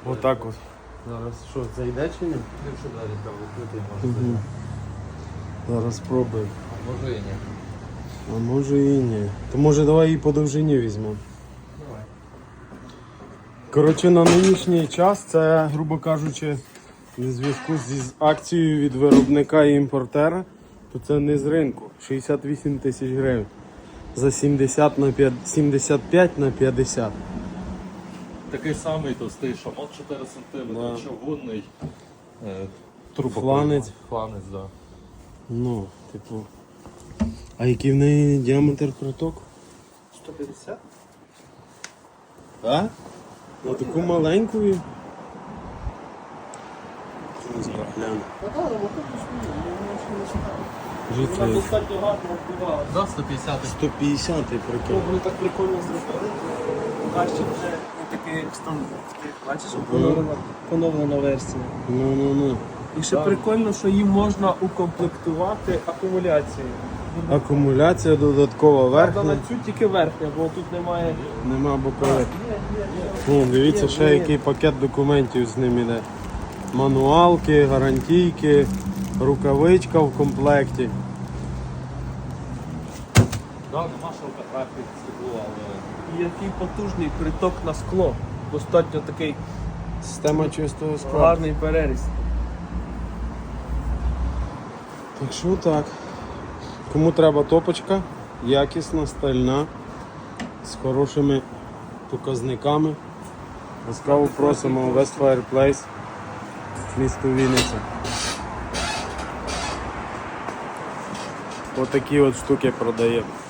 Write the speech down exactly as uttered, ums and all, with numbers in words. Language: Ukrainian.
Отак от. Зараз що, зайде чи ні? Якщо далі треба відкрити, може Угу. зайти. Зараз спробуємо. А може і ні. А може і ні. То може давай її по довжині візьмемо. Давай. Коротше, на нинішній час це, грубо кажучи, в зв'язку зі з акцією від виробника і імпортера, то це не з ринку. шістдесят вісім тисяч гривень. За сімдесят на п'ятдесят, сімдесят п'ять на п'ятдесят. Такий самий товстий шамот чотири сантиметри, Да. чавунний. Е, Фланець. Фланець, так. Да. Ну, типу. А який в неї діаметр протоку? сто п'ятдесят? Так? На таку маленьку. і- Глянь. Життя. Вона достатньо гарно впливала. За сто п'ятдесят. сто п'ятдесят прикинь. Вони так прикольно зробили. Краще вже не такий, як стандарт. Бачиш, Ну. поновлена, поновлена версія. Ну, ну, ну. І ще прикольно, що їм можна укомплектувати акумуляцією. Акумуляція додаткова Правда, на верхня. цю тільки верхня, бо тут немає. Нема бокових. Ну, дивіться, ще який пакет документів з ним іде. Мануалки, гарантійки, рукавичка в комплекті. Да, нема шовкографії стекло, але І який потужний приток на скло. Достатньо такий Система чистого скла. гарний переріз. Так що так. Кому треба топочка, якісна, стальна, з хорошими показниками. Ласкаво просимо в West Fireplace, місто Вінниця. Отакі от штуки продаємо.